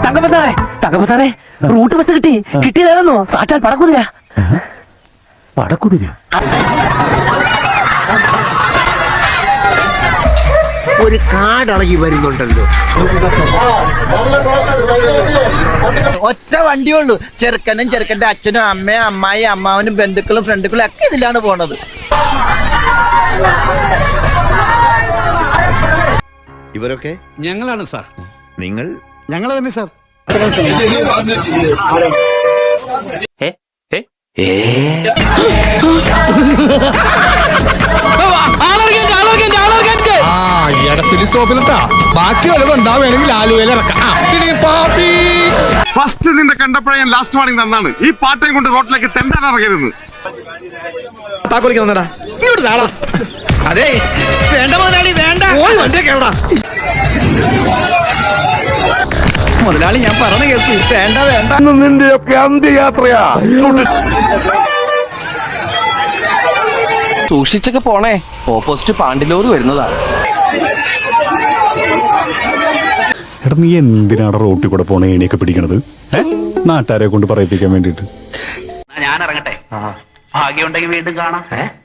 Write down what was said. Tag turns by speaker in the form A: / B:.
A: തങ്കപ്പ സാറേ root bus കിട്ടിയതാണെന്നോ? സാക്ഷാൽ പടക്കുതിര.
B: പടക്കുതിര?
C: ഒരു കാടളകി വരുന്നുണ്ടല്ലോ. ഒറ്റ വണ്ടിയുള്ളൂ. ചെറുക്കനും ചെറുക്കന്റെ അച്ഛനും അമ്മയും അമ്മായി അമ്മാവനും ബന്ധുക്കളും ഫ്രണ്ടുക്കളും ഒക്കെ ഇതിലാണ് പോണത്.
D: ഇവരൊക്കെ
E: ഞങ്ങളാണ് സാർ.
D: നിങ്ങൾ?
E: ഞങ്ങൾ തന്നെ സാർ.
F: ബാക്കി വല്ലതുണ്ടാ വേണമെങ്കിൽ ആലുവയിൽ ഇറക്കാം.
G: ഫസ്റ്റ് നിന്റെ കണ്ടപ്പോഴേ ഞാൻ ലാസ്റ്റ് വാണിംഗ് തന്നാണ്. ഈ പാട്ടയും കൊണ്ട് റോട്ടിലേക്ക് തെണ്ടാൻ ഇറങ്ങരുത്.
C: അതെ വേണ്ട മുതലാളി, വേണ്ട മുതലാളി, ഞാൻ പറഞ്ഞ കേൾക്കൂ. വേണ്ട വേണ്ട.
G: നിന്റെയൊക്കെ അന്ത്യയാത്രയാ.
A: സൂക്ഷിച്ചൊക്കെ പോണേ, ഓപ്പോസിറ്റ് പാണ്ടിലോറ് വരുന്നതാണ്.
B: എടാ നീ എന്തിനാണ് റോട്ടിൽ കൂടെ പോണ ഏണിയൊക്കെ പിടിക്കണത്? നാട്ടുകാരെ കൊണ്ട് പറയിപ്പിക്കാൻ വേണ്ടിട്ട്.
A: ഞാൻ ഇറങ്ങട്ടെ, ഭാഗ്യമുണ്ടെങ്കിൽ വീണ്ടും കാണാം.